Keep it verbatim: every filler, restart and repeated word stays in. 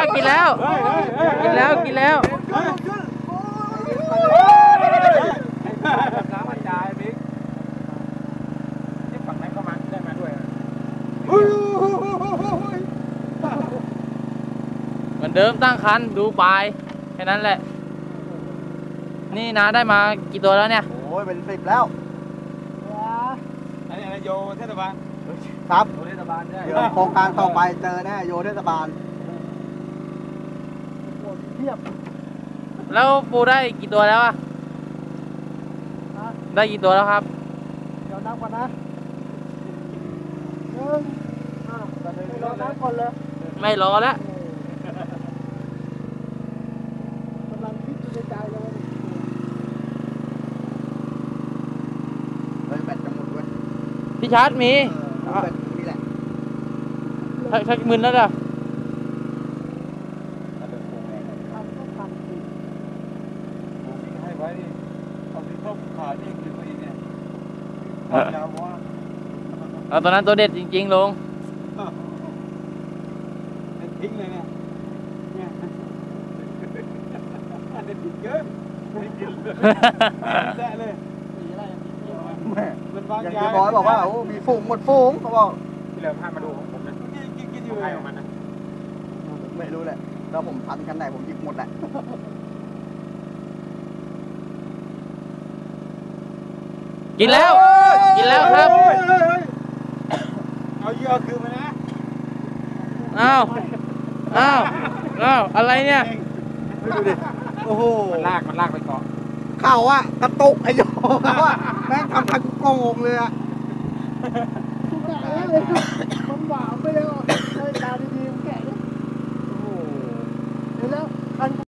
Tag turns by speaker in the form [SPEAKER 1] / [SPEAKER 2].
[SPEAKER 1] กินแล้วกินแล้วกินแล้ว
[SPEAKER 2] น้ำมันจ่ายบิ๊กที่ฝั่งนั้นเข้ามาได้มาด้วย
[SPEAKER 1] เหมือนเดิมตั้งคันดูปลายแค่นั้นแหละนี่นะได้มากี่ตัวแล้วเนี่ย
[SPEAKER 3] โอ้ยเป็นสิบแล้ว
[SPEAKER 2] อันนี้อะไรโยเทศบาล
[SPEAKER 3] ครับ
[SPEAKER 2] โยเทศบาลใช่
[SPEAKER 3] โครงการต่อไปเจอแน่โยเทศบาลเทียบ
[SPEAKER 1] แล้วปูได้กี่ตัวแล้วอะได้กี่ตัวแล้วครับ
[SPEAKER 3] เดี๋ยวนับก่อนนะหนึ่งอ่าเดี๋ยวนับก่อนเลย
[SPEAKER 1] ไม่รอแล้ว
[SPEAKER 3] กำลังคิดในใจเลยแบตจะหมดด้วย
[SPEAKER 1] พี่ชาร์จมี
[SPEAKER 3] แบตนี่แหละ
[SPEAKER 1] ใช้มือแล้วจ้ะ
[SPEAKER 2] ให้ไว้เอาที่เข้าขาเองหรือตัวเองเนี่ยยาวว่า
[SPEAKER 1] เอาตอนนั้นตัวเด็ดจริงๆลง
[SPEAKER 2] ทิ้งเลยเนี่ยเนี่ยอันนี้ทิ้งเยอะไม่กินเลยแซ่เลย
[SPEAKER 3] แม่อย่างที่บอยบอกว่าโอ้มีฝูงหมดฝูงเขาบอก
[SPEAKER 2] ที่เหลือพามาดูของผมนะกินกินอยู่ใครของมันนะ
[SPEAKER 3] ไม่รู้แหละแล้วผมพันกันไหนผมหยิบหมดแหละ
[SPEAKER 1] กินแล้วกินแล้วครับ
[SPEAKER 2] เอาเยอะคือมานะ
[SPEAKER 1] อ้าวอ้าวอ้าวอะไรเนี่ย
[SPEAKER 3] ดูดิโอ้โห
[SPEAKER 2] มันลากมันลากไปเกาะ
[SPEAKER 3] เข่าอะกระตุกไอ้โยเขาอะแม่งทำทันโกงเลยอะมันหวานไปเลยอ่ะใช้ตาดีๆมันแกะโอ้โหแล้วคัน